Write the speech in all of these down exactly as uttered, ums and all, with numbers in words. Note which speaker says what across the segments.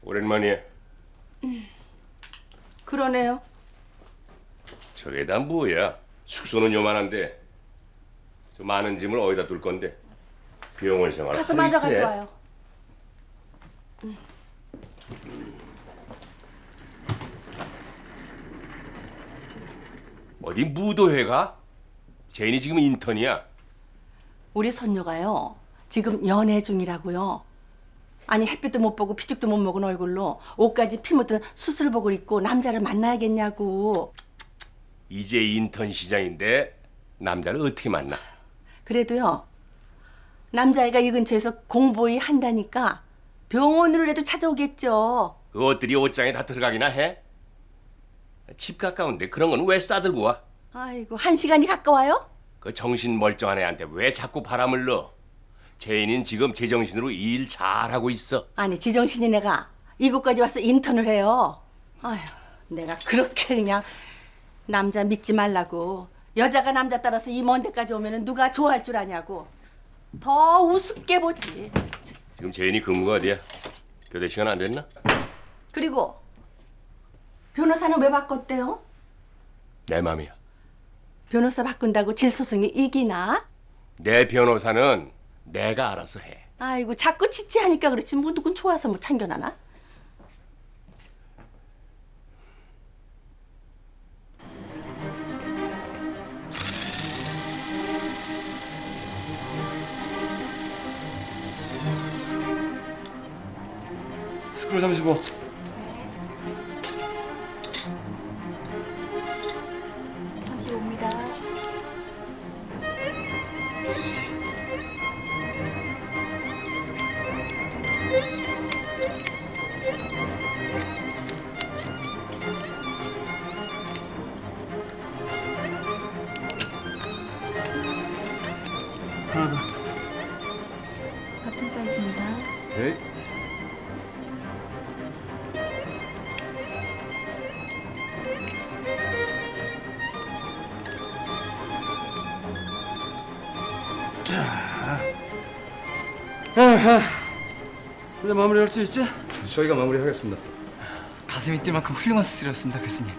Speaker 1: 오랜만이야.
Speaker 2: 그러네요.
Speaker 1: 저게 다 뭐야? 숙소는 요만한데 저 많은 짐을 어디다 둘 건데? 병원 생활
Speaker 2: 가서
Speaker 1: 하루
Speaker 2: 마저
Speaker 1: 이틀에?
Speaker 2: 가져와요.
Speaker 1: 어디 무도회가? 제인이 지금 인턴이야.
Speaker 2: 우리 손녀가요. 지금 연애 중이라고요. 아니 햇빛도 못 보고 피죽도 못 먹은 얼굴로 옷까지 피 묻은 수술복을 입고 남자를 만나야겠냐고.
Speaker 1: 이제 인턴 시장인데 남자를 어떻게 만나?
Speaker 2: 그래도요. 남자애가 이 근처에서 공보이 한다니까 병원으로라도 찾아오겠죠.
Speaker 1: 그 옷들이 옷장에 다 들어가기나 해? 집 가까운데 그런 건 왜 싸들고 와?
Speaker 2: 아이고 한 시간이 가까워요?
Speaker 1: 그 정신 멀쩡한 애한테 왜 자꾸 바람을 넣어? 제인인 지금 제정신으로 일 잘하고 있어.
Speaker 2: 아니 지정신이 내가 이곳까지 와서 인턴을 해요. 아휴 내가 그렇게 그냥 남자 믿지 말라고. 여자가 남자 따라서 이 먼 데까지 오면은 누가 좋아할 줄 아냐고. 더 우습게 보지.
Speaker 1: 지금 제인이 근무가 어디야? 교대 시간 안 됐나?
Speaker 2: 그리고 변호사는 왜 바꿨대요?
Speaker 1: 내 맘이야.
Speaker 2: 변호사 바꾼다고 질소송이 이기나?
Speaker 1: 내 변호사는 내가 알아서 해.
Speaker 2: 아이고 자꾸 지치하니까 그렇지 뭐 누군 좋아서 뭐 참견하나?
Speaker 3: 스크롤 삼십오.
Speaker 2: 삼십오입니다.
Speaker 3: 하나 더.
Speaker 4: 같은 사이즈입니다.
Speaker 3: 에이. 자. 아하. 이제 마무리할 수 있지?
Speaker 5: 저희가 마무리하겠습니다.
Speaker 6: 가슴이 뛸 만큼 훌륭한 수술이었습니다, 교수님.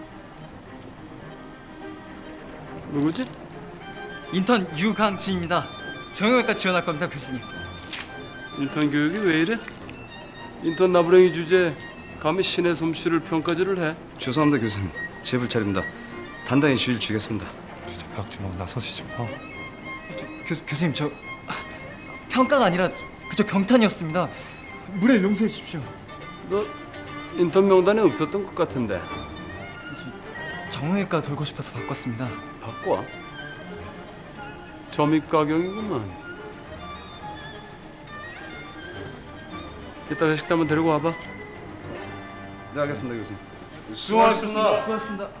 Speaker 3: 누구지?
Speaker 6: 인턴 유강진입니다. 정형외과 지원할 겁니다, 교수님.
Speaker 3: 인턴 교육이 왜 이래? 인턴 나부랭이 주제에 감히 신의 솜씨를 평가질을 해.
Speaker 5: 죄송합니다 교수님. 제 불찰입니다. 단단히 주의를 주겠습니다.
Speaker 7: 주제 박준호 나서시지 마.
Speaker 6: 교, 교수님, 저 아, 평가가 아니라 그저 경탄이었습니다. 물에 용서해 주십시오.
Speaker 3: 너 인턴 명단에 없었던 것 같은데.
Speaker 6: 정형외과 돌고 싶어서 바꿨습니다.
Speaker 3: 바꿔. 점입가경이구만. 이따 회식 때 한번 데리고 와봐.
Speaker 5: 네 알겠습니다 교수님.
Speaker 3: 수고하셨습니다.
Speaker 6: 수고하셨습니다.